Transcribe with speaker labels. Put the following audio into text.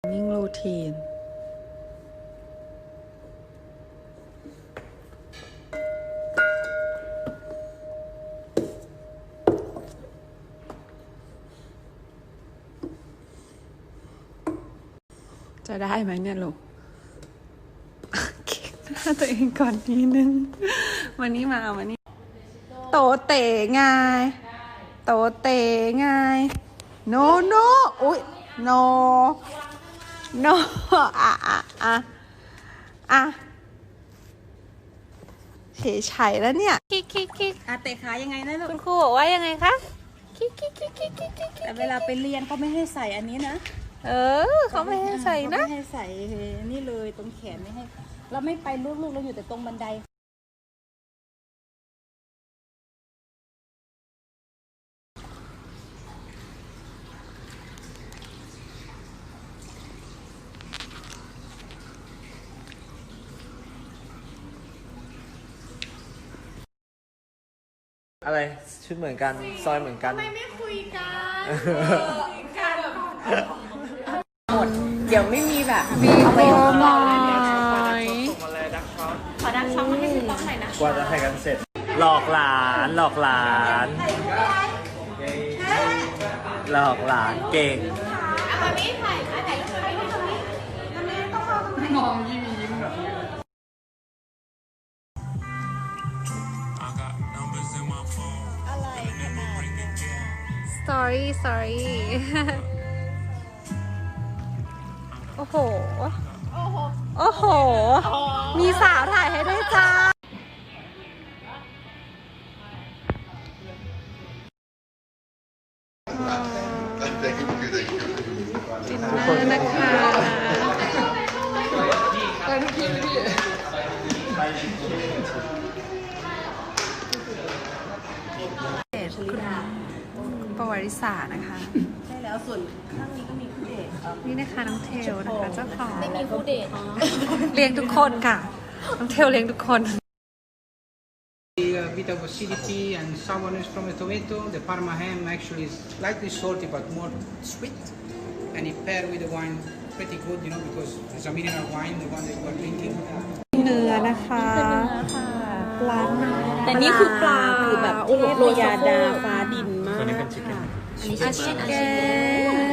Speaker 1: นิ่งรูทีนจะได้ไหมเนี่ยลูกเก็บหน้าตัวเองก่อนนิดนึงวันนี้มาวันนี้โตเต๋ไงโตเต๋ไงโนโนอุ๊ยโนโนอ่ะเฉยไฉแล้วเนี่ยคิกเตะขายังไงนะลูก
Speaker 2: คุณครูบอกว่ายังไงคะคิก
Speaker 1: แต่เวลาไปเรียนเขาไม่ให้ใส่อันนี้นะ
Speaker 2: เขาไม่ให้ใส่นะ
Speaker 1: ไม่ให้ใส่นี่เลยตรงแขนไม่ให้เราไม่ไปลูกเราอยู่แต่ตรงบันได
Speaker 3: อะไรชุดเหมือนกันซอยเหมือนกัน
Speaker 2: ไม่คุยกัน
Speaker 1: หมดเดี๋ยวไม่มีแบบ
Speaker 2: มีโบมอย
Speaker 1: ขอดักช่องมาให้คุณต้องหน่อยนะ
Speaker 3: กว่าจะให้กันเสร็จหลอกหลานหลอกหลานหลอกหลานเก่ง
Speaker 2: มามีถ่ายรูปตรงนี้มามีต้องเข้าตรงไหนมองยิ้มsorry โอ้โหมีสาวถ่ายให้ด้วยจ้าดินเนอร์นะคะประวัติศาสตร์นะคะ
Speaker 1: ใช่แล้วส่วนข้างนี้ก็มีคู่เดท
Speaker 2: นี่นะคะน้องเทลนะคะเจ้าของ
Speaker 1: ไม่มีคู่เดท
Speaker 2: เลี้ยงทุกคนค่ะน้องเทลเลี้ยงทุกคน
Speaker 4: A bit of acidity and sourness from the tomato. The Parma ham actually is slightly salty but more sweet, and it paired with the wine pretty good, you know, because it's a mineral wine, the one that you are drinking.
Speaker 2: เนื้อนะคะปลา
Speaker 1: แต่นี่คือปลาคือแบบโรยาดาฟ้าดินมากค่ะอันนี้เป็นชิคเก้น